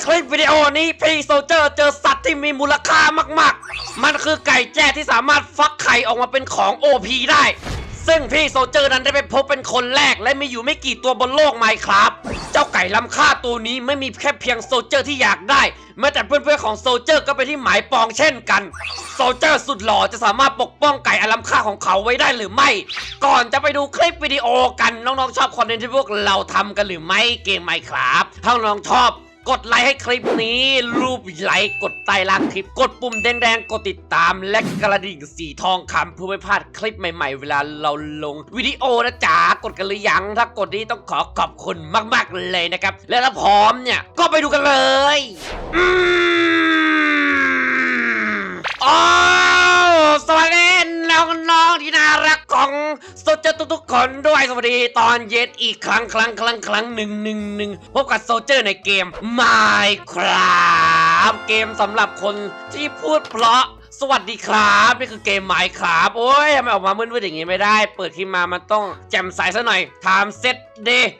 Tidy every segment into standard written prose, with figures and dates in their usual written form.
คลิปวิดีโอนี้พี่โซเจอร์เจอสัตว์ที่มีมูลค่ามากๆมันคือไก่แจ้ที่สามารถฟักไข่ออกมาเป็นของ OP ได้ซึ่งพี่โซเจอร์นั้นได้ไปพบเป็นคนแรกและมีอยู่ไม่กี่ตัวบนโลกไมน์ครับเจ้าไก่ล้ำค่าตัวนี้ไม่มีแค่เพียงโซเจอร์ที่อยากได้แม้แต่เพื่อนๆของโซเจอร์ก็เป็นที่หมายปองเช่นกันโซเจอร์สุดหล่อจะสามารถปกป้องไก่อันล้ำค่าของเขาไว้ได้หรือไม่ก่อนจะไปดูคลิปวิดีโอกันน้องๆชอบคอนเทนต์ที่พวกเราทำกันหรือไม่เกมไมน์ครับถ้าน้องชอบกดไลค์ให้คลิปนี้รูปไลค์กดใต้ล่างคลิปกดปุ่มแดงๆกดติดตามและกระดิ่งสีทองคำเพื่อไม่พลาดคลิปใหม่ๆเวลาเราลงวิดีโอนะจ๊ะกดกันหรือยังถ้ากดนี้ต้องขอบคุณมากๆเลยนะครับและถ้าพร้อมเนี่ยก็ไปดูกันเลยอ๋อสวัสดีน้องๆที่น่ารักของโซเจอร์ทุกๆคนด้วยสวัสดีตอนเย็นอีกครั้งหนึ่งพบกับโซเจอร์ในเกม Minecraft เกมสำหรับคนที่พูดเพราะสวัสดีครับนี่คือเกม Minecraft โอ้ยทำไมออกมามืดๆอย่างงี้ไม่ได้เปิดขึ้นมามันต้องแจ่มใสซะหน่อยไทม์เซตเดย์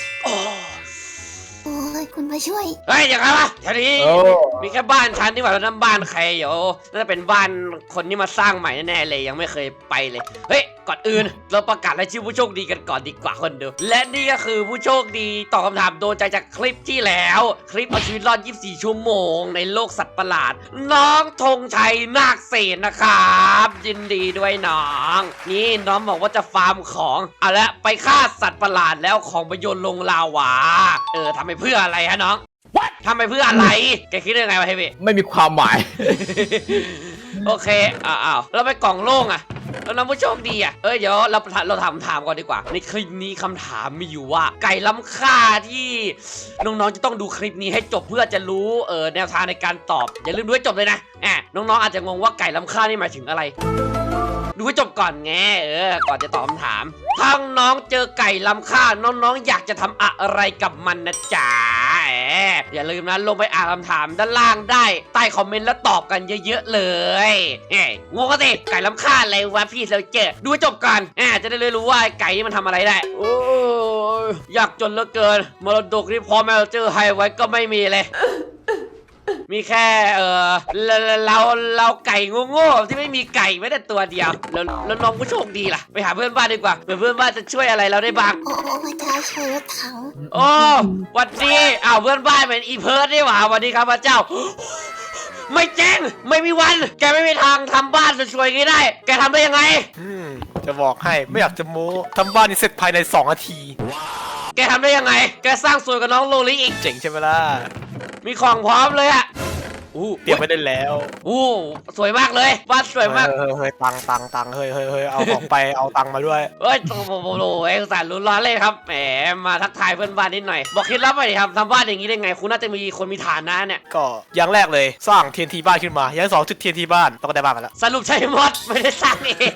โอ้ยคุณมาช่วยเฮ้ยอย่างไรวะแถวนี้มีแค่บ้านฉันนี่หว่าแล้วนั่นบ้านใครเดี๋ยวน่าจะเป็นบ้านคนที่มาสร้างใหม่แน่ๆเลยยังไม่เคยไปเลยเฮ้ยก่อนอื่นเราประกาศรายชื่อผู้โชคดีกันก่อนดีกว่าคนดูและนี่ก็คือผู้โชคดีตอบคำถามโดนใจจากคลิปที่แล้วคลิปเอาชีวิตรอด24 ชั่วโมงในโลกสัตว์ประหลาดน้องธงชัยนาคเสนนะครับยินดีด้วยน้องนี่น้องบอกว่าจะฟาร์มของเอาละไปฆ่าสัตว์ประหลาดแล้วของไปโยนลงลาวาทำไปเพื่ออะไรฮะน้องทำไปเพื่ออะไรแกคิดยังไงวะเฮฟวี่ไม่มีความหมายโอเคอ้าวเราไปกล่องโล่งอะแล้วน้องผู้โชคดีอะเดี๋ยวเราถามก่อนดีกว่าในคลิปนี้คำถามมีอยู่ว่าไก่ล้ำค่าที่น้องๆจะต้องดูคลิปนี้ให้จบเพื่อจะรู้แนวทางในการตอบอย่าลืมดูให้จบเลยนะน้องๆอาจจะงงว่าไก่ล้ำค่านี่หมายถึงอะไรดูให้จบก่อนไงก่อนจะตอบคำถามถ้าน้องเจอไก่ล้ำค่าน้องๆอยากจะทำอะไรกับมันนะจ๊ะอย่าลืมนะลงไปอ่านคำถามด้านล่างได้ใต้คอมเมนต์แล้วตอบกันเยอะๆเลยงงก็สิไก่ล้ำค่าอะไรวะพี่เราเจอดูให้จบก่อนจะได้รู้ว่าไก่นี่มันทำอะไรได้โอ้ยอยากจนเหลือเกินมรดกที่พ่อแม่เราเจอให้ไว้ก็ไม่มีเลยมีแค่เราไก่โง่ๆที่ไม่มีไก่แม้แต่ตัวเดียวแล้วน้องผู้โชคดีล่ะไปหาเพื่อนบ้านดีกว่าเพื่อนบ้านจะช่วยอะไรเราได้บ้างโอ้พระเจ้าช่วยรถถังโอ้วันดีเพื่อนบ้านเหมือนอีเพิร์ดนี่หว่าวันนี้ครับพระเจ้าไม่แจ้งไม่มีวันแกไม่มีทางทำบ้านสวยๆงี้ได้แกทำได้ยังไงจะบอกให้ไม่อยากจะโม้ทำบ้านนี้เสร็จภายใน2 นาทีแกทำได้ยังไงแกสร้างสวยกับน้องโลลิอีกเจ๋งใช่ไหมล่ะมีของพร้อมเลยอะเตรียมไว้ได้แล้วสวยมากเลยบ้านสวยมากเฮ้ยตังเฮ้ยเอาของไปเอาตังมาด้วยโอ้โหเอกสารลุ้นร้อนเลยครับแหมมาทักทายเพื่อนบ้านนิดหน่อยบอกคิดลับไปดิครับทำบ้านอย่างนี้ได้ไงคุณน่าจะมีคนมีฐานะเนี่ยก็อย่างแรกเลยสร้าง TNT บ้านขึ้นมาอย่าง2จุด TNT บ้านต้องได้บ้านมาแล้วสรุปใช้มดไม่ได้สร้างเอง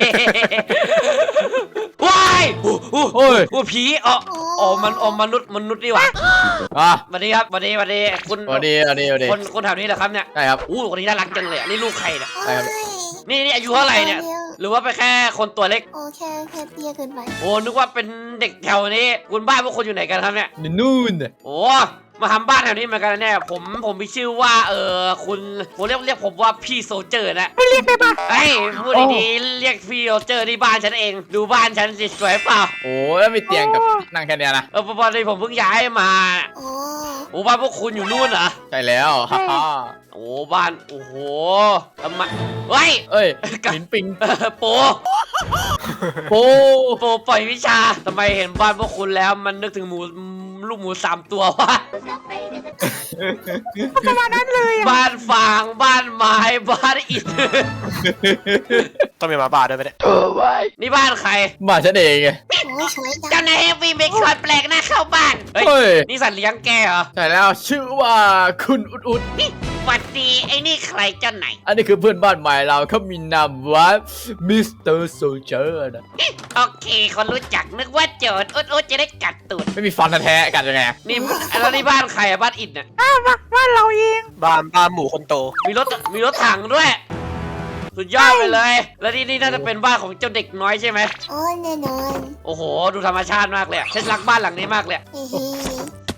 ว้ายผีมนุษย์นี่หว่าสวัสดีครับสวัสดีคุณสวัสดีคนแถวนี้เหรอครับเนี่ยใช่ครับคนนี้น่ารักจังเลยนี่ลูกใครเนี่ยใช่ครับนี่อายุเท่าไหร่เนี่ยหรือว่าไปแค่คนตัวเล็กโอ้แค่เตี้ยเกินไปนึกว่าเป็นเด็กแถวนี้คุณบ้านพวกคนอยู่ไหนกันครับเนี่ยนู่นมาทำบ้านแถวนี้เหมือนกันแน่ผมมีชื่อว่าคุณผมเรียกผมว่าพี่โซเจอร์นะเรียกได้ปะพูดดีๆเรียกพี่โซเจอร์ที่บ้านฉันเองดูบ้านฉันสิสวยเปล่าแล้วมีเตียงกับนั่งแค่นี้นะพอดีผมเพิ่งย้ายมาบ้านพวกคุณอยู่นู่นเหรอใช่แล้วบ้านโอ้โหทำไมเฮ้ยหินปิงโปปล่อยวิชาทำไมเห็นบ้านพวกคุณแล้วมันนึกถึงลูกหมู3 ตัววะประมาณนั้นเลยบ้านฟางบ้านไม้บ้านอิฐต้องมีมาบ้านด้วยไหมเนี่ยนี่บ้านใครบ้านฉันเองไงเจ้านายเฮฟวี่เบคอนแปลกหน้าเข้าบ้านนี่สัตว์เลี้ยงแกเหรอใช่แล้วชื่อว่าคุณอุดสวัสดีไอ้นี่ใครเจ้าไหนอันนี้คือเพื่อนบ้านใหม่เราเขามีนามว่ามิสเตอร์โซเจอร์นะโอเคคนรู้จักนึกว่าโจรอุดจะได้กัดตูดไม่มีฟันแท้กัดยังไงนี่แล้วนี่บ้านใครบ้านอิฐเนี่ยบ้านเราเองบ้านหมูคนโตมีรถถังด้วยสุดยอดไปเลยแล้วนี่น่าจะเป็นบ้านของเจ้าเด็กน้อยใช่ไหมแน่นอนโอ้โหดูธรรมชาติมากเลยฉันรักบ้านหลังนี้มากเลย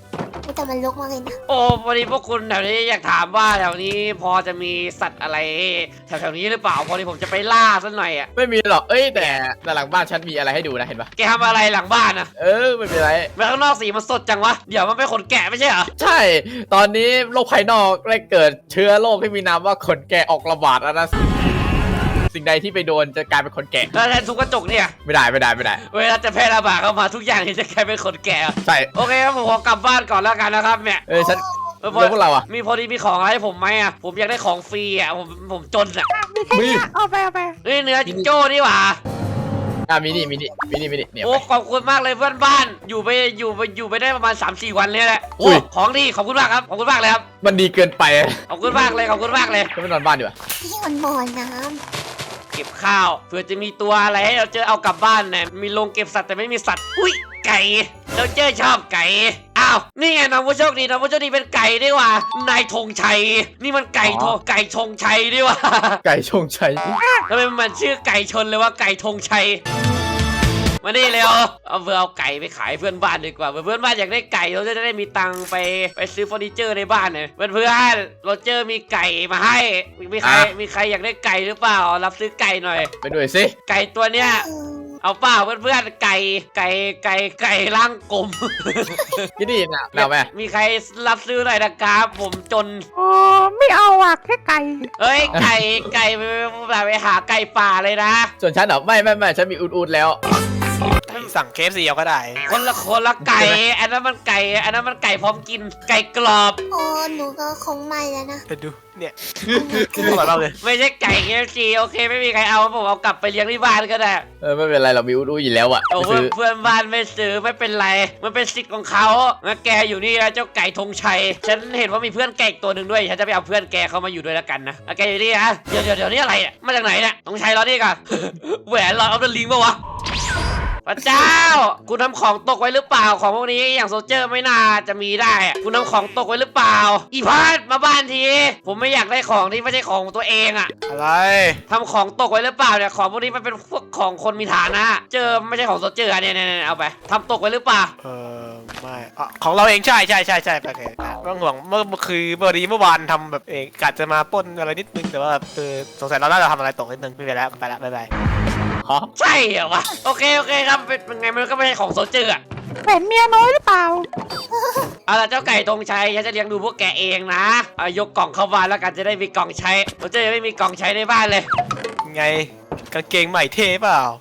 แต่มันรกมากเลยนะโอ้พอดีพวกคุณแถวนี้อยากถามว่าแถวนี้พอจะมีสัตว์อะไรแถวๆนี้หรือเปล่าพอดีผมจะไปล่าสักหน่อยอ่ะไม่มีหรอกเอ้ยแต่หลังบ้านฉันมีอะไรให้ดูนะเห็นปะแกทำอะไรหลังบ้านนะไม่เป็นไรไปข้างนอกสีมันสดจังวะเดี๋ยวมันเป็นขนแกะไม่ใช่เหรอใช่ ตอนนี้โรคภายนอกได้เกิดเชื้อโรคที่มีนามว่าขนแกะออกระบาดแล้วนะสิ่งใดที่ไปโดนจะกลายเป็นขนแกะแล้วแทนทุกกระจกเนี่ยไม่ได้เวลาจะแพร่ระบาดเข้ามาทุกอย่างนี่จะกลายเป็นขนแกะใช่โอเคครับผมขอกลับบ้านก่อนแล้วกันนะครับเนี่ยฉันพอแล้วพวกเราอ่ะมีพอดีมีของอะไรให้ผมไหมอ่ะผมอยากได้ของฟรีอ่ะผมจนอ่ะมีแค่นี้เอาไปเฮ้ยเนื้อจิงโจ้นี่หว่ามินิเนี่ยโอ้ไปขอบคุณมากเลยเพื่อนบ้านอยู่ไปได้ประมาณ 3-4 วันเลยแหละอุ้โอ้ยของดีขอบคุณมากครับขอบคุณมากเลยครับมันดีเกินไปขอบคุณมากเลยขอบคุณมากเลยก็ไม่นอนบ้านดีกว่าที่มันบ่อน้เก็บข้าวเผื่อจะมีตัวอะไรให้เราเจอเอากลับบ้านเนี่ยมีโรงเก็บสัตว์แต่ไม่มีสัตว์อุ้ยไก่เราเจอชอบไก่อ้าวนี่ไงน้องผู้โชคดีเป็นไก่ดีกว่านายธงชัยนี่มันไก่ชงชัยดีกว่าไก่ชงชัยทำไมมันชื่อไก่ชนเลยว่าไก่ธงชัยมานี่เร็วเอาไก่ไปขายเพื่อนบ้านดีกว่าเพื่อนบ้านอยากได้ไก่เราจะได้มีตังค์ไปซื้อเฟอร์นิเจอร์ในบ้านเนี่ยเพื่อนเราเจอมีไก่มาให้มีใครอยากได้ไก่หรือเปล่ารับซื้อไก่หน่อยไปด้วยสิไก่ตัวเนี้ยำเอาเปล่าเพื่อนๆไก่ร่างกลมพี่ดีน่ะเอาไหมมีใครรับซื้อหน่อยนะครับผมจนโอ้ไม่เอาอ่ะแค่ไก่เอ้ยไก่ไปหาไก่ป่าเลยนะส่วนฉันเหรอไม่ฉันมีอูดแล้วสั่งเคฟซีเอาก็ได้คนละไก่อันนั้นมันไก่พร้อมกินไก่กรอบโอ้หนูก็คงไม่แล้วนะเดี๋ยวดูเนี่ยขึ้นมาเราเลยไม่ใช่ไก่KFCโอเคไม่มีใครเอาผมเอากลับไปเลี้ยงที่บ้านก็ได้ไม่เป็นไรเรามีอูดอยู่แล้วอ่ะโอ้ไปซื้อเพื่อนบ้านไม่ซื้อไม่เป็นไรมันเป็นสิทธิ์ของเขางั้นแกอยู่นี่นะเจ้าไก่ธงชัยฉันเห็นว่ามีเพื่อนแกอีกตัวหนึ่งด้วยฉันจะไปเอาเพื่อนแกเข้ามาอยู่ด้วยแล้วกันนะแกอยู่นี่นะเดี๋ยวนี่อะไรเนี่ยมาจากไหนเนี่ยธงชัยรอนี่ก่อน แหวนรอเอาเดลิงปะวะพระเจ้าคุณทำของตกไว้หรือเปล่าของพวกนี้อย่างโซลเจอร์ไม่น่าจะมีได้อะคุณทำของตกไว้หรือเปล่าอีพาดมาบ้านทีผมไม่อยากได้ของที่ไม่ใช่ของตัวเองอะอะไรทำของตกไว้หรือเปล่าเนี่ยของพวกนี้มันเป็นพวกของคนมีฐานะเจอไม่ใช่ของโซลเจอร์เนี่ยเอาไปทำตกไว้หรือเปล่าไม่ของเราเองใช่โอเคไม่ต้องห่วงเมื่อวานทำแบบเองกะจะมาปล้นอะไรนิดนึงแต่ว่าสงสัยเราน่าจะทำอะไรตกนิดนึงไม่เป็นไรแล้วไปละบ๊ายบายฮะใช่เหรอวะโอเคครับเป็นไงมันก็ไม่ใช่ของโซลเจอร์อะเป็นเมียน้อยหรือเปล่าเอาล่ะเจ้าไก่ธงชัยฉันจะเลี้ยงดูพวกแกเองนะเอายกกล่องเข้าบ้านแล้วกันจะได้มีกล่องใช้โซลเจอร์ยังไม่มีกล่องใช้ในบ้านเลยไงกางเกงใหม่เท่เปล่าก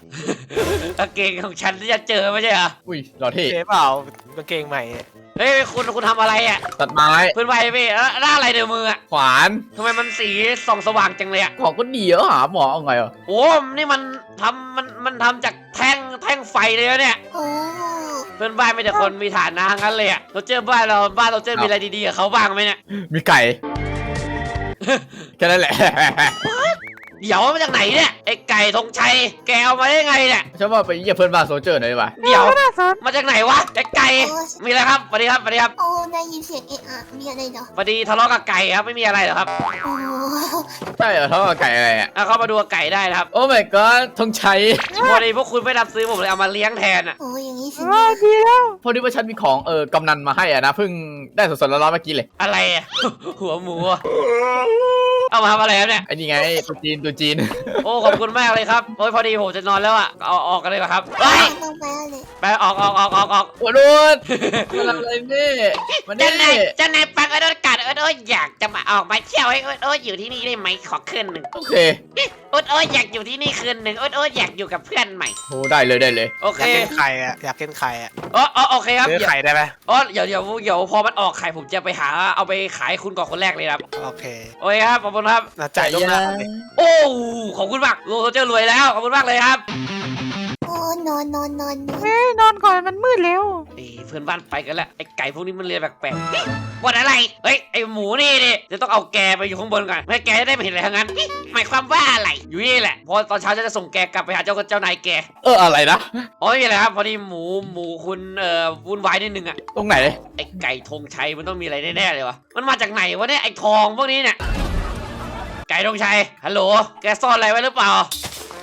างเกงของฉันที่จะเจอไม่ใช่เหรออุ้ยหล่อเท่เท่เปล่ากางเกงใหม่เฮ้ยคุณทำอะไรอ่ะตัดไม้เพื่อนไปพี่หน้าอะไรเดือมืออ่ะขวานทำไมมันสีส่องสว่างจังเลยอ่ะของก็ดีแล้วหาหมอเอาไงอ่ะโอ้นี่มันทำจากแท่งไฟเลยนะเนี่ยโอ้เพื่อนบ้านไม่แต่คนมีฐานะทั้งนั้นเลยอ่ะเราเจอบ้านเราเจอมีอะไรดีๆกับเขาบ้างไหมเนี่ยมีไก่ แค่นั้นแหละเดี๋ยวมาจากไหนเนี่ยไอ้ไก่ธงชัยแกเอามาได้ไงเนี่ยฉันว่าไปเยี่ยมเพื่อนบ้านโซลเจอร์หน่อยดีกว่าเดี๋ยวไม่น่าสนมาจากไหนวะไอ้ไก่มีอะไรครับสวัสดีครับโอ้ได้ยินเสียงเอะอะมีอะไรเหรอสวัสดีทะเลาะกับไก่ครับไม่มีอะไรหรอกครับโอ้ใช่เหรอเท่ากับไก่อะไรอ่ะเอาเข้ามาดูกับไก่ได้นะครับโอ้ my god ธงชัยพอดีพวกคุณไม่รับซื้อผมเลยเอามาเลี้ยงแทนอ่ะโอ้อย่างนี้สิดีแล้วพอดีว่าฉันมีของกำนันมาให้อ่ะนะเพิ่งได้สดๆร้อนๆเมื่อกี้เลยอะไรอ่ะ หัวหมูอะเอามาทำอะไรครับเนี่ยไอ้นี่ไงตัวจีนโอ้ขอบคุณมากเลยครับโอ้ยพอดีผมจะนอนแล้วอ่ะเอาออกกันเลยเหรอครับเฮ้ยต้องไปอะไรไปออกโอ้ดูดมันอะไรนี่มันเจ้านี่นายฟังโดนกัดอยากจะมาออกมาเที่ยวให้อยู่ที่นี่ได้ไหมขอคืนหนึ่งโอเคอยากอยู่ที่นี่คืนหนึ่งอยากอยู่กับเพื่อนใหม่โอ้ได้เลยโออเคยากกินไข่อะอยากกินไข่อะโอเคครับซื้อไข่ได้ไหมเดี๋ยวพอมันออกไข่ผมจะไปหาเอาไปขายคุณก่อนคนแรกเลยครับโอเคโอเคครับขอบคุณครับจ่ายล่วงหน้าก่อนดิโอ้ขอบคุณมากโลเจอรวยแล้วขอบคุณมากเลยครับโอ้นอนเฮ้ยนอนก่อนมันมืดแล้วเพื่อนบ้านไปกันแล้วไอ้ไก่พวกนี้มันเรียนแปลกๆวันอะไรเฮ้ยไอ้หมูนี่จะต้องเอาแกไปอยู่ข้างบนก่อนไม่ให้แกได้ไม่เห็นอะไรทั้งนั้นหมายความว่าอะไรอยู่นี่แหละพอตอนเช้าจะส่งแกกลับไปหาเจ้านายแกอะไรนะอ๋อไม่มีอะไรครับพอดีหมูคุณวุ่นวายนิดนึงอะตรงไหนไอ้ไก่ธงชัยมันต้องมีอะไรแน่ๆเลยวะมันมาจากไหนวะเนี่ยไอ้ทองพวกนี้เนี่ยไก่ธงชัยฮัลโหลแกซ่อนอะไรไว้หรือเปล่า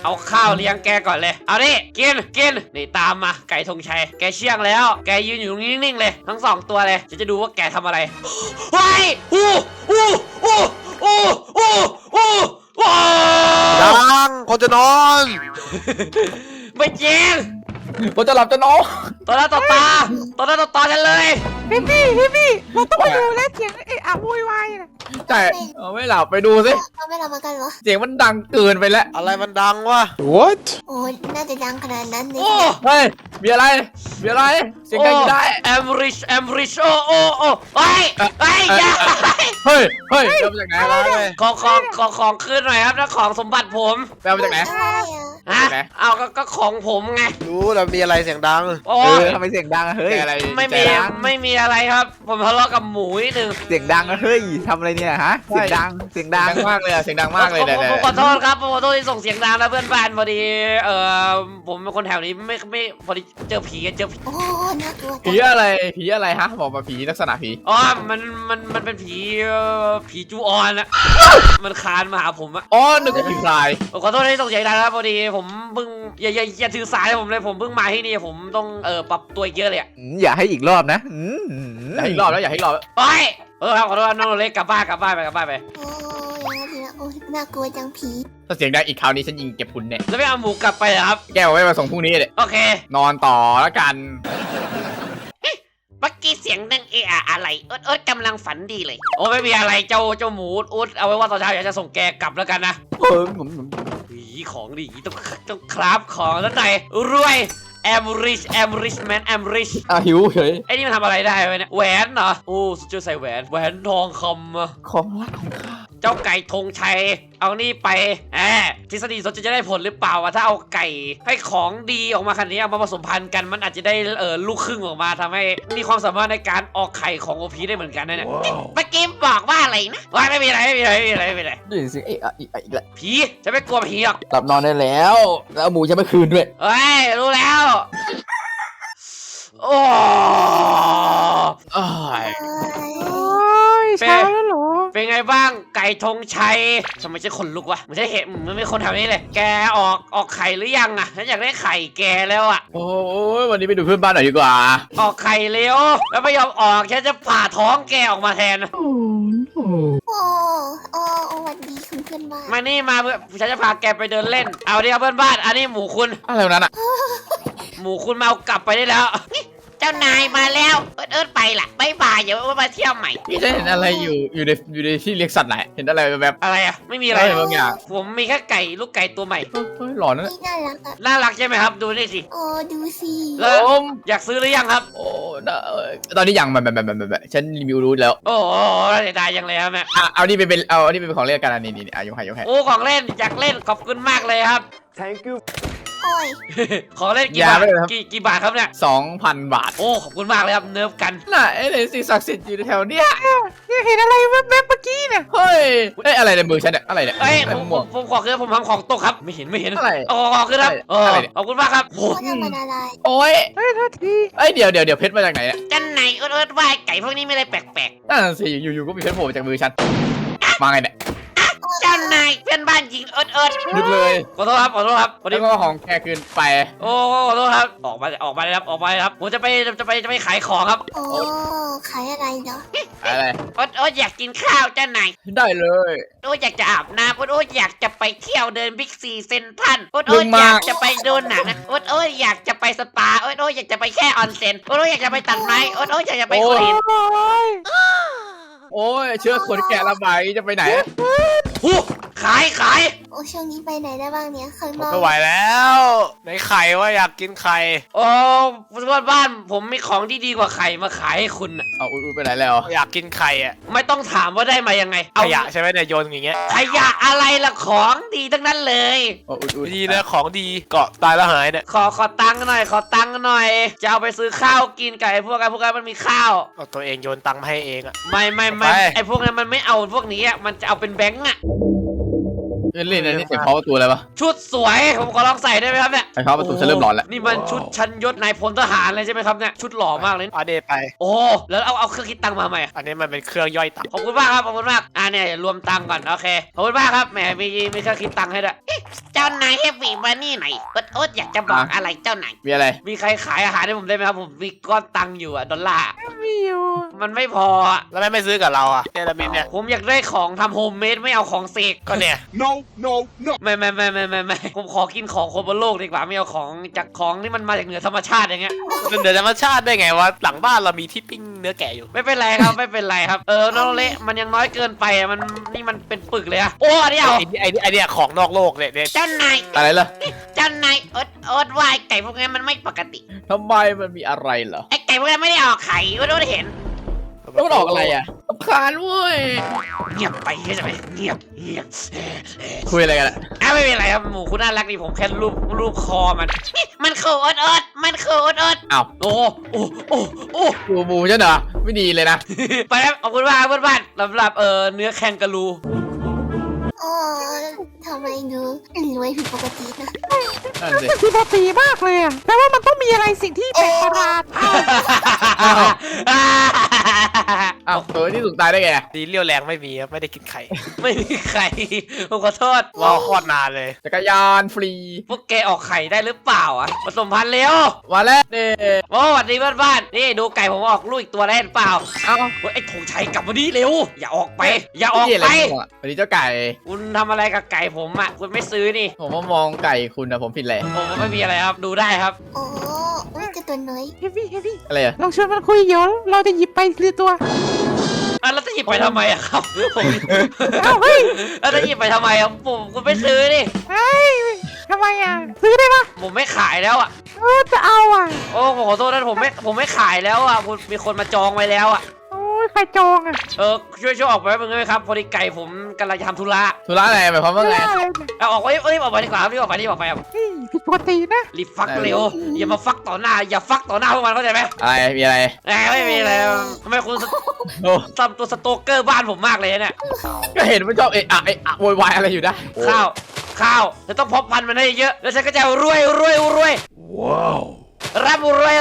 เอาข้าวเลี้ยงแกก่อนเลยเอาดิกินนี่ตามมาไก่ธงชัยแกเชี่ยงแล้วแกยืนอยู่ตรงนี้นิ่งๆเลยทั้ง2ตัวเลยฉันจะดูว่าแกทำอะไรเฮ้ยดังคนจะนอนไม่จริงผมจะหลับจะนอนต่อหน้าต่อตาฉันเลยพี่เราต้องไปดูแลเสียงไอ้อะโวยวายนะใช่เอาไม่หลับไปดูสิเราไม่รับมากันเหรอเสียงมันดังเกินไปแล้วอะไรมันดังวะโอ้น่าจะดังขนาดนั้นเลยโอ้เฮ้ยมีอะไรเสียงดังอยู่ได้แอมริชโอ้ไปอย่าเฮ้ยเดี๋ยวมาจากไหนอะไรเว้ยของขึ้นหน่อยครับนะของสมบัติผมแปลมาจากไหนอะไรอ่ะฮะไหนเอาก็ของผมไงรู้แล้วมีอะไรเสียงดังโอ้ทำไมเสียงดังอะเฮ้ยอะไรไม่มีอะไรครับ ผมทะเลาะกับหมูนิดนึงเสียงดังอะเฮ้ยทำอะไรเนี่ยฮะ เสียงดังเสียงดังมากเลยอะเสียงดังมากเลยเนี่ยผมขอโทษครับผมขอโทษที่ส่งเสียงดังนะเพื่อนบ้านพอดีผมเป็นคนแถวนี้ไม่พอดีเจอผีโอ้น่ากลัวผีอะไรฮะบอกมาผีลักษณะผีอ๋อมันเป็นผีจูออนอะมันคานมาหาผมอะอ๋อนึกว่าผีพรายผมขอโทษที่ส่งเสียงดังนะครับพอดีผมเพิ่งอย่าถือสายผมเลยผมเพิ่งมาที่นี่ผมต้องปรับตัวอีกเยอะเลยอะอย่าให้อีกรอบนะอยากให้อีกรอบแล้วอยากให้อีกรอบโอ้ยครับขอโทษน้องเล็กกลับบ้านไปโอ้ยอย่างนั้นทีละโอ้น่ากลัวจังผีถ้าเสียงดังอีกคราวนี้ฉันยิงเก็บคุณเนี่ยแล้วไม่เอาหมูกลับไปเหรอครับแกเอาไว้มาส่งพรุ่งนี้เลยโอเคนอนต่อแล้วกันเมื่อกี้เสียงดังอะไรเอิร์ดกำลังฝันดีเลยโอ้ไม่มีอะไรเจ้าหมูอุดเอาไว้ว่าตอนเช้าอยากจะส่งแกกลับแล้วกันนะผมหีของดีต้องคราฟของแล้วไหนรวยแอมริชแมนแอมริชหิวเฉยไอ้นี่มันทำอะไรได้ไหมเนี่ยแหวนเหรอโอ้สุดยอดใส่แหวนทองคำอะของรักของข้าเจ้าไก่ธงชัยเอานี่ไปทฤษฎีสนจะได้ผลหรือเปล่าวะถ้าเอาไก่ให้ของดีออกมาขนาดนี้เอามาผสมพันธุ์กันมันอาจจะได้ลูกครึ่งออกมาทำให้มีความสามารถในการออกไข่ของโอพีได้เหมือนกันนะเนี่ยเมื่อกี้บอกว่าอะไรนะว่าไม่มีอะไรได้ยินเสียงเอะอีกแล้วผีจะไม่กลัวผีหรอกหลับนอนได้แล้ว แล้วเอาหมูจะไม่คืนด้วยเฮ้ยรู้แล้วโอ้อ้ายโอ้ยโอ้ยเช้าแล้วเหรอเป็นไงบ้างไก่ธงชัยทำไมใช่คนลุกวะไม่ใช่เห็นมันไม่คนแถวนี้เลยแกออกไข่หรือยังอะฉันอยากได้ไข่แกแล้วอะโอ้ยวันนี้ไปดูเพื่อนบ้านหน่อยดีกว่าออกไข่เร็วแล้วไม่ยอมออกฉันจะผ่าท้องแกออกมาแทนโอ้สวัสดีคุณเพื่อนบ้านมานี่มาเพื่อฉันจะพาแกไปเดินเล่นเอาดิครับเพื่อนบ้านอันนี้หมูคุณอะไรวะนั้นอ่ะหมูคุณมาเอากลับไปได้แล้ว เจ้านายมาแล้วเอิร์ดไปล่ะบ๊ายบายเดี๋ยวมาเที่ยวใหม่พี่จะเห็นอะไรอยู่ในที่เลี้ยงสัตว์ไหนเห็นอะไรแบบอะไรอะไม่มีอะไรบางอย่างผมมีแค่ไก่ลูกไก่ตัวใหม่เฮ้ยหลอนนะนี่น่ารักอ่ะน่ารักใช่ไหมครับดูนี่สิโอ้ดูสิแล้วผมอยากซื้อหรือยังครับโอ้น่าตอนนี้ยังแบบฉันรีวิวรู้แล้วโอ้โหเสียดายยังเลยครับแม่เอานี่ไปเป็นของเล่นกันอันนี้ยกให้โอ้ของเล่นอยากเล่นขอบคุณมากเลยครับโอ้ยของเล่นกี่บาทกี่บาทครับเนี่ย 2,000 บาทโอ้ขอบคุณมากเลยครับเนิร์ฟกันน่ะไอ้สิ่งศักดิ์สิทธิ์อยู่แถวเนี้ยเนี่ยเห็นอะไรแวบๆเมื่อกี้เนี่ยเฮ้ยอะไรในมือฉันเนี่ยอะไรเนี่ยเอ้ยอะไรผมม่วงผมขอคือผมทำของตกครับ ไม่เห็นอะไรโอ้ขอคือครับอะไรเนี่ยขอบคุณมากครับโอ้เขาทำมันอะไรโอ้ยเฮ้ยโทษทีเดี๋ยวเพชรมาจากไหนเนี่ยจันไหนเอิร์ดว่าไก่พวกนี้ไม่ได้แปลกนั่นสิอยู่ๆก็มีเพชรโผล่มาจากมือฉันมาไงเนี่ยๆเจ้านายเพื่อนบ้านยิงเอิร์ดนึกเลยขอโทษครับพอดีแล้วก็ของแกคืนไปโอ้ขอโทษครับออกมาเลยครับผมจะไปขายของครับโอ้ขายอะไรเนาะอะไรเอิร์ดอยากกินข้าวเจ้านายได้เลยโอ้อยากจะอาบน้ำโอ้อยากจะไปเที่ยวเดินบิ๊กซีเซ็นทรัลโอ้มึงมาอยากจะไปดูหนังนะโอ้อยากจะไปสปาโอ้อยากจะไปแค่ออนเซ็นโอ้อยากจะไปตัดไม้โอ้อยากจะไปโอ้คุยยโอ้ยเชื้อขนแกะระบายจะไปไหนหูขายโอ้ช่วงนี้ไปไหนได้บ้างเนี่ยข้างผนมอกไม่ไหวแล้วในไข่ว่าอยากกินไข่โอ้เพื่อนบ้านผมมีของที่ดีกว่าไข่มาขายให้คุณน่ะเอาอุ้ยไปไหนแล้วอยากกินไข่อะไม่ต้องถามว่าได้มายังไงขยะใช่ไหมเนี่ยโยนอย่างเงี้ยขยะอะไรล่ะของดีทั้งนั้นเลยโอ้อุ้ยดีนะของดีเกาะตายแล้วหายเนี่ยขอตังค์หน่อยจะเอาไปซื้อข้าวกินกับไอ้พวกนั้นมันมีข้าวเอาตัวเองโยนตังค์มาให้เองอะไม่ไปไอ้พวกนั้นมันไม่เอาพวกนี้อ่ะมันจะเอาเป็นแบงก์อ่ะเล่นนี่เสียงเคาะประตูอะไรปะชุดสวยผมขอลองใส่ได้ไหมครับเนี่ยไอ้เคาะประตูฉันเริ่มร้อนแล้วนี่มันชุดชั้นยศนายพลทหารเลยใช่ไหมครับเนี่ยชุดหล่อมากเลยอันนี้ไปโอ้แล้วเอาเครื่องคิดตังค์มาใหม่อันนี้มันเป็นเครื่องย่อยตับขอบคุณมากครับขอบคุณมากเนี่ยรวมตังค์ก่อนโอเคขอบคุณมากครับแหมมีเครื่องคิดตังค์ให้ด้วยเจ้านายเฮฟวี่มานี่หน่อยโอ๊ตอยากจะบอกอะไรเจ้านายมีอะไรมีใครขายอาหารให้ผมได้ไหมครับผมมีก้อนตังค์อยู่อะดอลลาร์มีอยู่มันไม่พออะแล้วไม่ซื้อกับเราอ่ะเนลามินเนี่ยผมอยากได้ของทำโฮมเมดไม่เอาของเสกก็เนี่ยไม่ผมขอกินของคนบนโลกดีกว่าไม่เอาของจากของที่มันมาจากเหนือธรรมชาติอย่างเงี้ยเป็นเดือดธรรมชาติได้ไงวะหลังบ้านเรามีที่ปิ้งเนื้อแกะอยู่ไม่เป็นไรครับไม่เป็นไรครับน้องเละมันยังน้อยเกินไปอะมันเป็นปึกเลยอะโอ้อันนี้เอาไอ้เนี่ยของนอกโลกเนี่ยเจ้านายอะไรล่ะเจ้านายโอ๊ตว่าไอ้ไก่พวกนี้มันไม่ปกติทำไมมันมีอะไรเหรอไอ้ไก่พวกนี้ไม่ได้ออกไข่โอ๊ตเห็นแล้วมันออกอะไรอ่ะรำคาญเว้ยเงียบไปใช่ไหมเงียบคุยอะไรกันอะไม่เป็นไรครับหมูคุณน่ารักดีผมแค่รูปคอมันคือโอ๊ตมันคือโอ๊ตอ้าวโอ้ดูหมูฉันเหรอไม่ดีเลยนะไปแล้วขอบคุณมากเพื่อนๆสำหรับเนื้อแคนการูโอ้ทำไมดูรวยผิดปกตินะนั่นสิมันผิดปกติมากเลยอะแปลว่ามันต้องมีอะไรสิ่งที่แปลกประหลาดอ้าวตัวที่ถูกตายได้ไงดีเลี้ยวแรงไม่มีครับไม่ได้กินไข่ไม่มีใครผมขอโทษรอโคตรนานเลยจักรยานฟรีพวกแกออกไข่ได้หรือเปล่าอ่ะผสมพันธุ์เร็วมาแล้วเนี่ยโอ้สวัสดีบ้านๆนี่ดูไก่ผมออกลูกอีกตัวได้หรือเปล่าเอ้าเฮ้ยไอ้ธงชัยกลับมานี่เร็วอย่าออกไป อย่าออกนี่อะไรไปของอะวันนี้เจ้าไก่คุณทำอะไรกับไก่ผมอ่ะคุณไม่ซื้อนี่ผมว่ามองไก่คุณนะผมผิดแหละผมไม่มีอะไรครับดูได้ครับโอ้ยกระตัวน้อยเฮฟวี่อะไรอ่ะลองชวนมันคุยเดี๋ยวเราจะหยิบไปทีละตัวแล้วจะหยิบไปทำไมอะครับผมเอ้าเฮ้ยแล้วจะหยิบไปทำไมอะผมคุณไม่ซื้อนี่เฮ้ยทำไมอ่ะซื้อได้ปะผมไม่ขายแล้วอ่ะจะเอาอ่ะโอ้ผมขอโทษนะผมไม่ขายแล้วอ่ะคุณมีคนมาจองไว้แล้วอ่ะโอ้ยใครจองอ่ะช่วยออกไปแป๊บนึงได้ไหมครับพอดีไก่ผมกำลังจะทำธุระธุระอะไรหมายความว่าไงไม่ได้เลยเอาออกไปรีบออกไปดีกว่าครับรีบออกไปครับเฮ้ยผิดปกตินะรีบฟักเร็วอย่ามาฟักต่อหน้าอย่าฟักต่อหน้าพวกมันเข้าใจไหมอะไรมีอะไรไม่มีอะไรทำไมคุณโอ้ทำตัวสโตเกอร์บ้านผมมากเลยเนี่ยก็เห็นมันชอบเอะอะโวยวายอะไรอยู่ได้ข้าวจะต้องเพาะพันธุ์มันให้เยอะแล้วฉันก็จะรวยว้าวร่ำรวย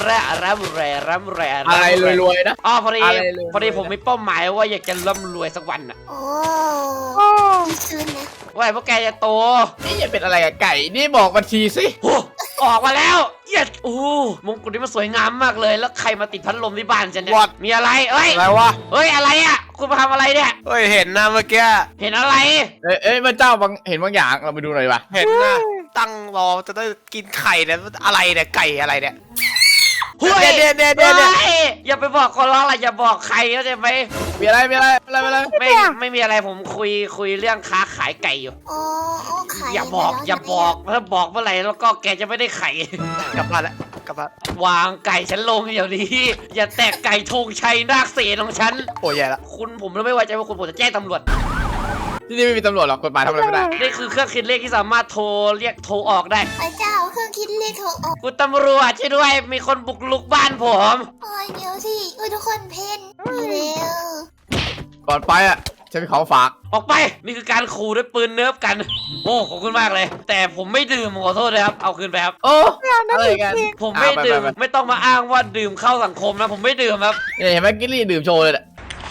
อะไรรวยๆนะอ๋อพอดีอะไรรวยๆพอดีผมมีเป้าหมายว่าอยากจะร่ำรวยสักวันน่ะโอ้โอ้ดีซื้อนะว่าพวกแกจะโตนี่จะเป็นอะไรกับไก่นี่บอกบัญชีสิโอ้ออกมาแล้วเย็ดโอ้มงกุฎนี่มันสวยงามมากเลย แล้วใครมาติดพัดลมที่บ้านฉันเนี่ย What? มีอะไรเอ้ยอะไรวะเฮ้ยอะไรอ่ะคุณมาทำอะไรเนี่ยเฮ้ยเห็นนะเมื่อกี้เห็นอะไรเอ้ยมันเจ้าเห็นบางอย่างเราไปดูหน่อยดีป่ะเห็นนะตั้งรอจะได้กินไข่เนี่ยอะไรเนี่ยไก่อะไรเนี่ยเฮ้ยเนี่ยเฮ้ยอย่าไปบอกคนร้องอะไรอย่าบอกใครเข้าใจไหมมีอะไรไม่มีอะไรผมคุยเรื่องค้าขายไก่อยู่โอ้ขายอย่าบอกถ้าบอกเมื่อไหร่แล้วก็แกจะไม่ได้ไข่กลับบ้านแล้วกลับบ้านวางไก่ฉันลงเดี๋ยวนี้ อย่าแตกไก่ธงชัยนาคเสนของฉันโอ้ยแย่ละผมไม่ไว้ใจว่าคุณผมจะแจ้งตำรวจที่นี่ไม่มีตำรวจหรอกกฎหมายทำอะไรไม่ได้นี่คือเครื่องคิดเลขที่สามารถโทรออกได้พระเจ้าเครื่องคิดเลขโทรออกคุณตำรวจช่วยด้วยมีคนบุกลุกบ้านผมโอ้ยเดี๋ยวสิทุกคนเพ่นเร็วก่อนไปอ่ะฉันมีของฝากออกไปนี่คือการขู่ด้วยปืนเนิร์ฟกัน โอ้ขอบคุณมากเลย แต่ผมไม่ดื่มขอโทษเลยครับเอาคืนไปครับโอ้ไม่เอานะอะไรจริงกันจริงผมไม่ดื่มไปไม่ต้องมาอ้างว่าดื่มเข้าสังคมนะผมไม่ดื่มครับเนี่ยเห็นไหมกิลลี่ดื่มโชว์เลยแหละ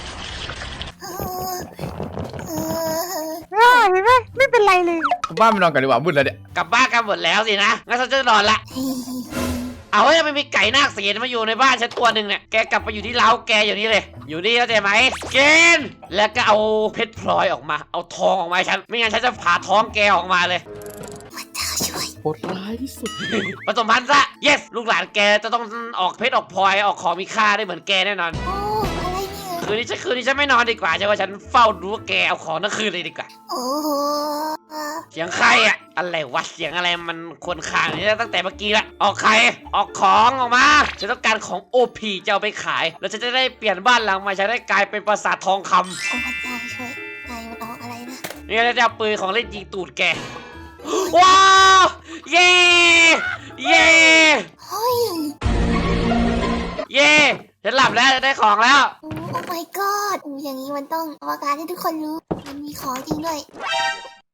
เห็นไหมไม่เป็นไรเลยบ้านไปนอนกันดีกว่ามืดแล้วเนี่ยกลับบ้านกันหมดแล้วสินะงั้นฉันจะนอนละเอาเฮ้ยไม่มีไก่นาคเสียนมาอยู่ในบ้านฉันตัวหนึ่งเนี่ยแกกลับไปอยู่ที่เล้าแกอยู่นี่เลย อยู่นี่เข้าใจไหมเกณฑ์แล้วก็เอาเพชรพลอยออกมาเอาทองออกมาให้ฉันไม่งั้นฉันจะผ่าท้องแกออกมาเลยพระเจ้าช่วยโหดร้ายที่สุดผสมพันธุ์ซะ yes ลูกหลานแกจะต้องออกเพชรออกพลอยออกของมีค่าได้เหมือนแกแน่นอนโอ้อะไรเนี่ยคืนนี้ฉันไม่นอนดีกว่าใช่ว่าฉันเฝ้าดูว่าแกเอาของทั้งคืนเลยดีกว่าโอ้โหเสียงใครอะอะไรวะเสียงอะไรมันควรคางนี่ตั้งแต่เมื่อกี้ละออกใครออกของออกมาฉันต้องการของ OP จะเอาไปขาย แล้วฉันจะได้เปลี่ยนบ้านหลังใหม่ฉันได้กลายเป็นปราสาททองคโอ้พระเจ้าช่วยนายมันออกอะไรนะำนี่จะเอาปืนของเล่นยิงตูดแกว้าวเย่เย่เฮ้ยเย่ฉันหลับแล้วจะได้ของแล้วโอ้ my god อย่างนี้มันต้องประกาศให้ทุกคนรู้มันมีของจริงด้วย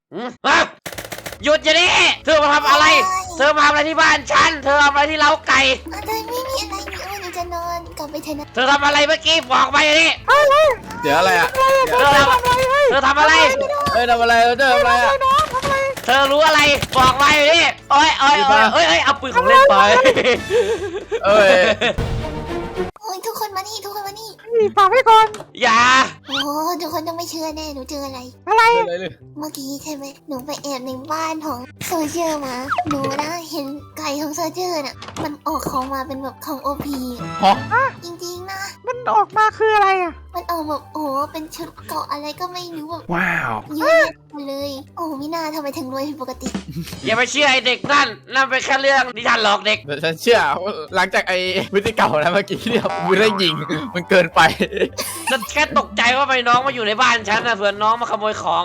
หยุดอย่าดิเธอมาทำอะไร เธอมาทำอะไรที่บ้านฉัน เธอทำอะไรที่เล้าไก่อะไรไม่มีอะไรนี่หนูจะนอนกลับไปเถอะนะเธอทำอะไรเมื่อกี้บอกมาอย่างนี้เดี๋ยวอะไรอ่ะเธอทำอะไรเอ้ยทำอะไรเจออะไรอ่ะเธอรู้อะไร บอกมาอย่างนี้โอ้ยเอาปืนของเล่นไปเอ้ยโอ้ยทุกคนมานี่ทุกคนมานี่นี่ฝากไว้ก่อนอย่าโอ้ทุกคนต้องไม่เชื่อแน่หนูเจออะไรอะไรเลยเลยเมื่อกี้ใช่ไหมหนูไปแอบในบ้านของโซเชียลมา หนูนะเห็นไก่ของโซเชียลน่ะ มันออกของมาเป็นแบบของโอพีฮะจริงๆนะมันออกมาคืออะไรอ่ะมันออกแบบโอ้เป็นชุดเกาะอะไรก็ไม่รู้แบบว้าวเยอะแยะหมดเลย โอ้มิน่าทำไมถึงรวยผิดปกติอย่าไปเชื่อไอ้เด็กนั่นเป็นแค่เรื่องนิทานหลอกเด็กแต่ฉันเชื่อว่าหลังจากไอ้พฤติกรรมนะเมื่อกี้เนี่ยมือได้ยิงมันเกินไปฉันแค่ตกใจว่าไปน้องมาอยู่ในบ้านฉันนะเผื่อน้องมาขโมยของ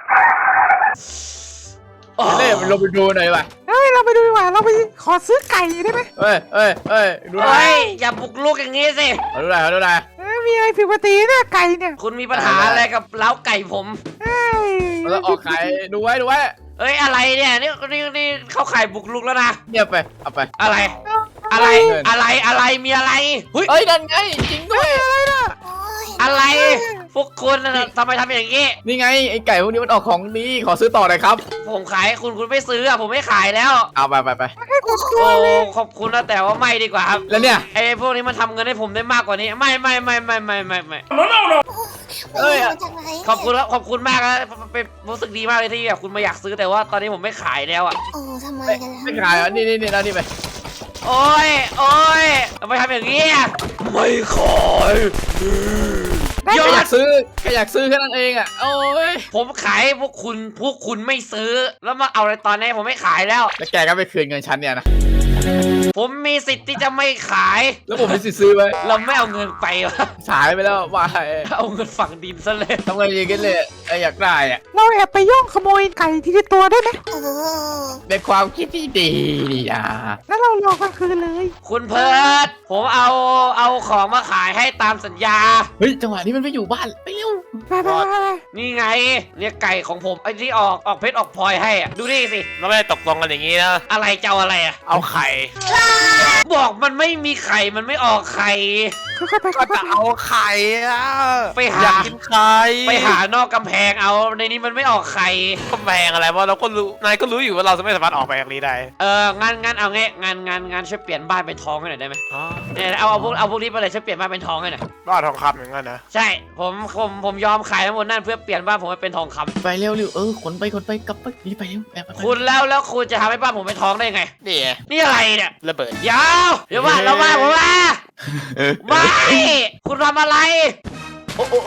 โอ้เล่มันลงไปดูหน่อยว่ะเฮ้ยเราไปดูดีกว่าเราไปขอซื้อไก่ได้ไหมเอ้ยดูหน่อยเฮ้ยอย่าบุกลุกอย่างนี้สิเอาดูหน่อยเอาดูหน่อยมีอะไรผิดปกติเนี่ยไก่เนี่ยคุณมีปัญหาอะไรกับเล้าไก่ผมเฮ้ยมันต้องออกไข่ดูไว้เอ้ยอะไรเนี่ยนี่เข้าข่ายบุกลุกแล้วนะเงียบไปเอาไปอะไรมีอะไรเฮ้ยเอ้ยนั่นไงจริงด้วยโอ้ยอะไรพวกคุณน่ะทำไมทำอย่างนี้นี่ไงไอ้ไก่พวกนี้มันออกของดีขอซื้อต่อหน่อยครับผมขายให้คุณไม่ซื้ออะผมไม่ขายแล้วเอาไปโอ้โหโอ้ขอบคุณนะแต่ว่าไม่ดีกว่าครับแล้วเนี่ยไอ้พวกนี้มันทำเงินให้ผมได้มากกว่านี้ไม่เอ้ยมาจากไหนขอบคุณมากนะเป็นรู้สึกดีมากเลยที่แบบคุณมาอยากซื้อแต่ว่าตอนนี้ผมไม่ขายแล้วอ่ะโอ้ทำไมกันล่ะไม่ขายอ่ะนี่เอานี่ไปโอ้ยทำไมทำอย่างนี้อะไม่ขายแค่อยากซื้อแค่นั้นเองอ่ะโอ้ยผมขายให้พวกคุณไม่ซื้อ แล้วมาเอาอะไรตอนนี้ผมไม่ขายแล้วแล้วแกก็ไปคืนเงินฉันเนี่ยนะผมมีสิทธิ์ที่จะไม่ขายแล้วผมมีสิทธิ์ซื้อไหมเราไม่เอาเงินไปวะขายไปแล้วว่าเอาเงินฝังดินซะเลยทำไงดีกันเลยไอ้อยากได้อ่ะเราแอบไปย่องขโมยไก่ที่ในตัวได้ไหมเออเป็นความคิดที่ดีนี่นะแล้วเรารอกลางคืนเลยคุณเพิร์ดผมเอาของมาขายให้ตามสัญญาเฮ้ยจังหวะนี้มันไม่อยู่บ้านไปเร็วไปนี่ไงเนี่ยไก่ของผมไอ้ที่ออกเพชรออกพลอยให้อะดูนี่สิเราไม่ได้ตกลงกันอย่างนี้นะอะไรเจ้าอะไรอะเอาไข่บอกมันไม่มีไข่มันไม่ออกไข่ค่อยๆไปก็จะเอาไข่อะไปหาอยากกินไข่ไปหานอกกำแพงเอาในนี้มันไม่ออกไข่กำแพงอะไรวะเราก็รู้นายก็รู้อยู่ว่าเราจะไม่สามารถออกไปจากนี้ได้งั้นเอางี้งานช่วยเปลี่ยนบ้านเป็นทองให้หน่อยได้ไหมอ๋อเนี่ยเอาพวกนี้ไปเลยช่วยเปลี่ยนบ้านเป็นทองให้หน่อยบ้าทองคำอย่างนั้นนะใช่ผมยอมขายทั้งหมดนั่นเพื่อเปลี่ยนบ้านผมให้เป็นทองคำไปเร็วขนไปกลับไปรีบไปเร็วแอบไปคุณแล้วคุณจะทำให้บ้านผมเป็นทองได้ไงนี่ไงนี่อะไรเนี่ยระเบิดเดี๋ยวว่าเราบ้านผมว่าไม่คุณทำอะไรโอ้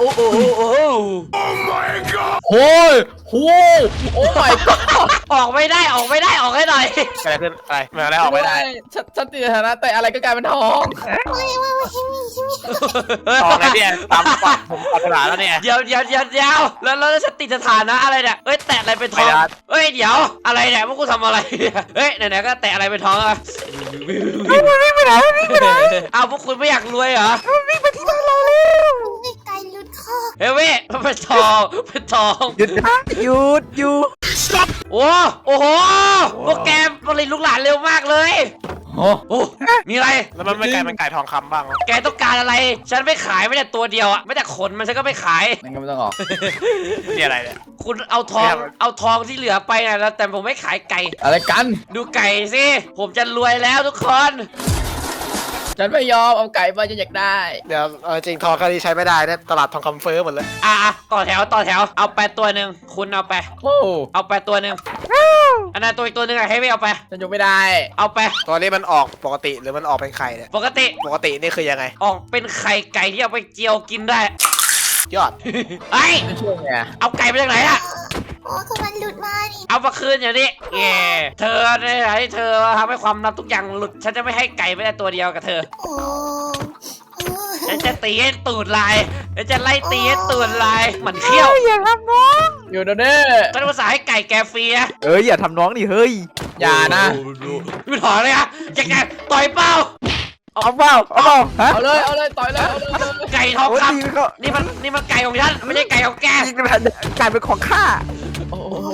โอ้ยโอ้ my god ออกไม่ได้ออกให้หน่อยอะไรขึ้นอะไรมาแล้วออกไม่ได้ฉันติดฐานะแต่อะไรก็กลายเป็นทองไม่ให้มีทองไงเนี่ยตามปากผมปรารถนาแล้วเนี่ยเดี๋ยวแล้วจะติดสถานะอะไรเนี่ยเอ้ยแตะอะไรเป็นทองไม่ได้เอ้ยเดี๋ยวอะไรเนี่ยพวกกูทำอะไรเนี่ยเฮ้ยไหนๆก็แตะอะไรเป็นทองอะวิ่งไปไหนเอาพวกคุณไม่อยากรวยเหรอวิ่งไปที่บ้านเราเร็วไม่ไกลลุดคอเฮ้ยเว้ยมันเป็นทองหยุดหยุดโอ้โหพวกแกผลิตลูกหลานเร็วมากเลยโอ้โอ้มีอะไรแล้วมันไม่กลายเป็นไก่ทองคำบ้างเหรอแกต้องการอะไร ฉันไม่ขายไม่แต่ตัวเดียวอะไม่แต่ขนมันฉันก็ไม่ขายนั่นก็ไม่ต้องออกนี่อะไรเนี่ยคุณเอาทองที่เหลือไปนะแล้วแต่ผมไม่ขายไก่อะไรกันดูไก่สิ ผมจะรวยแล้วทุกคนฉันไม่ยอมเอาไก่มาฉันอยากได้เดี๋ยวจริงทองแค่นี้ใช้ไม่ได้นะตลาดทองคำเฟ้อหมดเลยต่อแถวเอาไปตัวหนึ่งคุณเอาไปโอ้เอาไปตัวหนึ่งอันนั้นตัวอีกตัวหนึ่งอะให้ไม่เอาไปฉันอยู่ไม่ได้เอาไปตัวนี้มันออกปกติหรือมันออกเป็นไข่เนี่ยปกติปกตินี่คือยังไงออกเป็นไข่ไก่ที่เอาไปเจียวกินได้ยอดไอ้ยไม่ช่วยไงเอาไก่มาจากไหนอะโอ้ก็มันหลุดมานี่เอามาคืนอย่างนี้เย่เธอเนี่ยให้เธอทำให้ความลับทุกอย่างหลุด ฉันจะไม่ให้ไก่ไม่ได้ตัวเดียวกับเธอโอ้เออฉันจะตีให้ตูดลายฉันจะไล่ตีให้ตูดลายเหมือนเขี้ยวอย่าทำน้องอยู่เดี๋ยวนี้ฉันภาษาห์ให้ไก่แกฟรีนะอย่าทำน้องดิเฮ้ยอย่านะไม่ถอนเลยอะจะแกต่อยเป้าเอาเปล่าฮะเอาเลยต่อยเลยเอาเลยไก่ทองโอ้ยคนี่ก็ำนี่มันไก่ของฉันไม่ใช่ไก่ของแกยิงกลายเป็นของข้าโอ้โอ้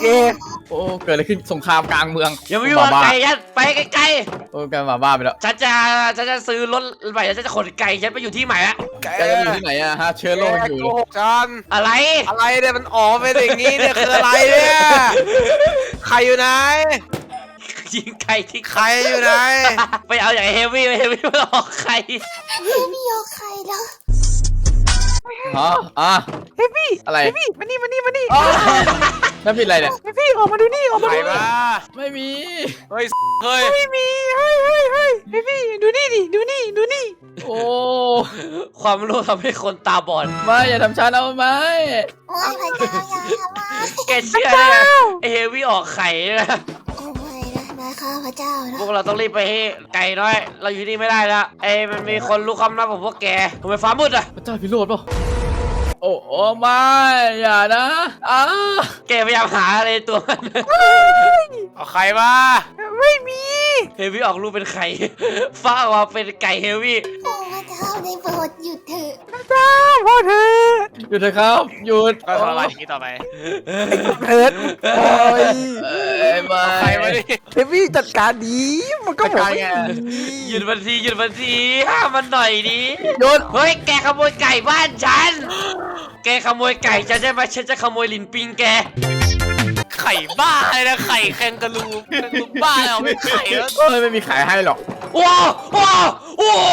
แกโอ้เกิดอะไรขึ้นสงครามกลางเมืองอย่าไปยุ่งกับไก่ฉันไปไกลโอ้กลายมาบ้าไปแล้วๆฉันจะซื้อรถใหม่แล้วฉันจะขนไก่ฉันไปอยู่ที่ใหม่ละแกแกจะอยู่ที่ไหนอะฮะเชื้อโรคมันอยู่โกหกฉันอะไรอะไรเนี่ยมันออกไปอย่างนี้เนี่ยคืออะไรเนี่ยใครอยู่ไหนยิงไก่ที่ใครอยู่ไหนไปเอาอย่างเฮฟวี่ไม่ออกไข่ไม่ยอมใครแล้วฮะอ่ะเฮ้ยพี่อะไรเฮ้ยพี่มานี่มานี่มานี่นั่นผิดอะไรเนี่ยเฮ้ยพี่ออกมาดูนี่ออกมาใครดูนี่มาไม่มีเฮ้ยเฮ้ยไม่มีเฮ้ยเฮ้ยเฮ้ยเฮ้ยพี่ดูนี่ดิดูนี่ดูนี่โอ้ความรู้ทำให้คนตาบอดไม่อย่าทำฉันเอาไหมไม่พระเจ้าอย่าทำมาแกเชื่อเลยไอเฮฟวี่ออกไข่นะโอ้ไม่นะข้าพระเจ้านะพวกเราต้องรีบไปให้ไก่น้อย เราอยู่นี่ไม่ได้แล้วไอ้มันมีคนรู้ความลับของพวกแกทำไมฟ้ามืดอ่ะพระเจ้าพิโรธเปล่าโอ้โอ้ไม่อย่านะอ้าแกพยายามหาอะไรตัวมันเอาใครมาไม่มีเฮฟวี่ออกรูปเป็นไข่ ฟ้าออกมาเป็นไก่เฮฟวี่โอ้พระเจ้าได้โปรดหยุดเถอะพระเจ้าพ่อเธอหยุดเถอะครับหยุดก็ทรมานอย่างนี้ต่อไปเพิร์ดโอ้ยไม่ใครมาดิเฮฟวี่จัดการดีมันก็บอกไม่ดีหยุดมันทีหยุดมันทีห้ามมันหน่อยดิหยุดเฮ้ยแกขโมยไก่บ้านฉัน แกขโมยไก่ฉันใช่ไหมฉันจะขโมยลินปิงแกไข่บ้าเลยนะไข่แคนการูบ้าแล้วไม่ไข่แล้วเอ้ยไม่มีขายให้หรอกว้าวว้าวว้าว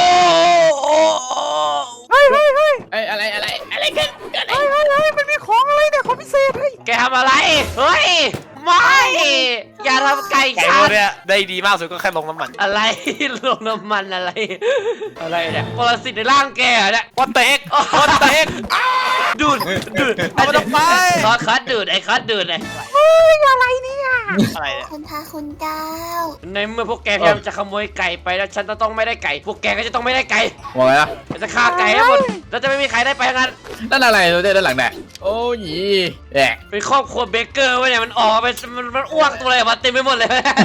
เฮ้ยเฮ้ยเฮ้ยไอ้อะไรกันเฮ้ยเฮ้ยเฮ้ยมันมีของอะไรเนี่ยของพิเศษเฮ้ยแกทำอะไร เฮ้ย ไม่ อย่าทำไก่ไก่ฉัพวกนเนี้ยได้ดีมากสุดก็แค่ลงน้ำมันอะไร ลงน้ำมันอะไร อะไรเนี่ยปรสิตในร่างแกเหรอเนี่ย What the heck What the heck ดูดเอามันออกไปคัดดูดไอ้คัดดูดไอ้เฮ้ยอะไรเนี่ยอะไรเนี่ยคุณพระคุณเจ้าในเมื่อพวกแกพยายามจะขโมยไก่ไปแล้วฉันจะต้องไม่ได้ไก่ พวกแกก็จะต้องไม่ได้ไก่บอกไงล่ะฉันจะฆ่าไก่ให้หมดแล้วจะไม่มีใครได้ไปทั้งนั้นนั่นอะไรตัวเต้ด้านหลังเนี่ยโอ้ยแหะเป็นครอบครัวเบเกอร์วะเนี่ยมันออกมาเป็นมันอ้วกตัวอะไรออกมาเต็มไปหมดเลย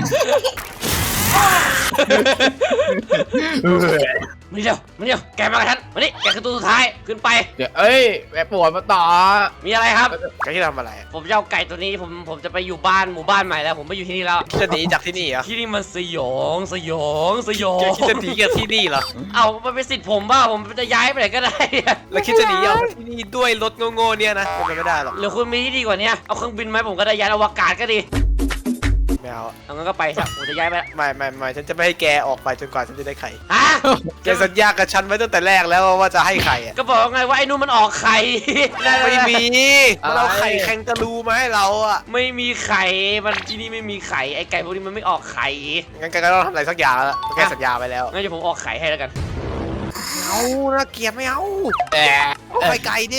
มาเดียวแกมากับฉันมานี่แกคือตัวสุดท้ายขึ้นไปเดี๋ยวเอ้ยแม่ปวดมาต่อมีอะไรครับไก่ที่ทำอะไรผมจะเอาไก่ตัวนี้ผมจะไปอยู่บ้านหมู่บ้านใหม่แล้ว ผมไม่อยู่ที่นี่แล้วจะหนีจากที่นี่เหรอที่นี่มันสยองคิดจะหนีจากที่นี่เหรอเอามันเป็นสิทธิ์ผมบ้าผมจะย้ายไปไหนก็ได้แล้วคิดจะหนีออกจากที่นี่ด้วยรถโง่ๆเนี่ยนะเป็นไปไม่ได้หรอกหรือคุณมีที่ดีกว่านี้เอาเครื่องบินไหมผมก็ได้ยานอวกาศก็ดีไม่เอาเอางั้นก็ไปซะผมจะย้ายไปละไม่ฉันจะไม่ให้แกออกไปจนกว่าฉันจะได้ไข่ฮะแกสัญญากับฉันไว้ตั้งแต่แรกแล้วว่าจะให้ไข่อะก็บอกไงว่าไอ้นู่นมันออกไข่ไม่มีมันเอาไข่แคนการูมาให้เราอะไม่มีไข่มันที่นี่ไม่มีไข่ไอ้ไก่พวกนี้มันไม่ออกไข่งั้นแกก็ต้องทำอะไรสักอย่างแล้วแกสัญญาไปแล้วงั้นเดี๋ยวผมออกไข่ให้แล้วกันเอาน่าเกลียดไม่เอาแอะเอาไข่ไก่ดิ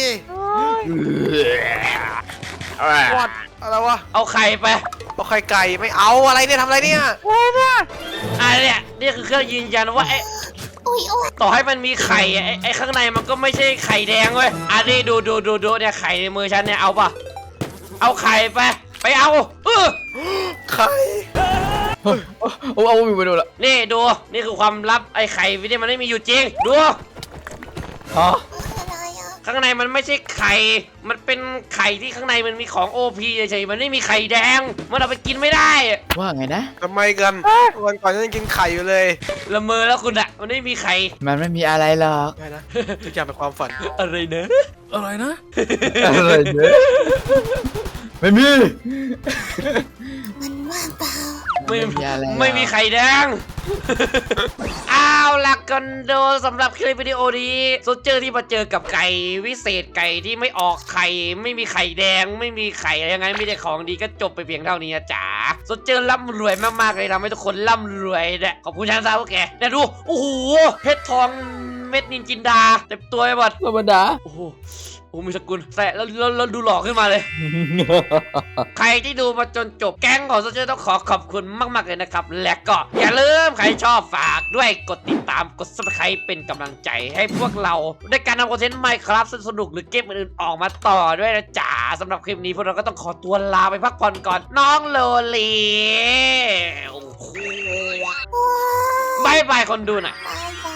แอะวอดอะไรวะเอาไข่ไปเอาไข่ไก่ไม่เอาอะไรเนี่ยทำอะไรเนี่ยอะไรเนี่ยเนี่ยนี่คือเครื่องยืนยันว่าไอ้อุ้ยโอ้ยต่อให้มันมีไข่อะไอ้ข้างในมันก็ไม่ใช่ไข่แดงเว้ยอันนี้ดูเนี่ยไข่ในมือฉันเนี่ยเอาป่ะเอาไข่ไปเอาไข่โอ้เอาวิวไปดูละนี่ดูนี่คือความลับไอ้ไข่วินี่มันไม่มีอยู่จริงดูอ๋ออะไรอ่ะข้างในมันไม่ใช่ไข่ มันเป็นไข่ที่ข้างในมันมีของโอพีเฉยๆมันไม่มีไข่แดง มันเอาไปกินไม่ได้ว่าไงนะทำไมกันวันก่อนฉันยังกินไข่อยู่เลยละเมอแล้วคุณอะมันไม่มีไข่มันไม่มีอะไรหรอกไม่นะทุกอย่างเป็นความฝันอะไรเนอะอะไรนะอะไรเนี่ยไม่มีมันว่างเปล่าไม่ไม่มีอะไรหรอกไม่มีไข่แดง เอาล่ะกันโดสำหรับคลิปวิดีโอนี้โซเจอร์ที่มาเจอกับไก่วิเศษไก่ที่ไม่ออกไข่ ไม่มีไข่แดง ไม่มีไข่อะไรยังไงไม่ได้ของดีก็จบไปเพียงเท่านี้นะจ๋าโซเจอร์ร่ำรวยมากๆเลยทำให้ทุกคนร่ำรวยเนี่ยขอบคุณชาซาพวกแกเนี่ยดูโอ้โหเพชรทองเม็ดนินจินดาเต็มตัวไปหมดธรรมดาโอ้โหมีสกุลแต่แล้วดูหล่อขึ้นมาเลย ใครที่ดูมาจนจบแก๊งของโซเชียลต้องขอบคุณมากๆเลยนะครับ และก็อย่าลืมใครชอบฝากด้วยกดติดตามกด subscribe เป็นกำลังใจให้พวกเราในการทำคอนเทนต์ Minecraft สนุกหรือเกมอื่นๆออกมาต่อด้วยนะจ๋าสำหรับคลิปนี้พวกเราก็ต้องขอตัวลาไปพักผ่อนก่อนน้องโลลีโอ้โหบายบายคนดูหน่อยบายบ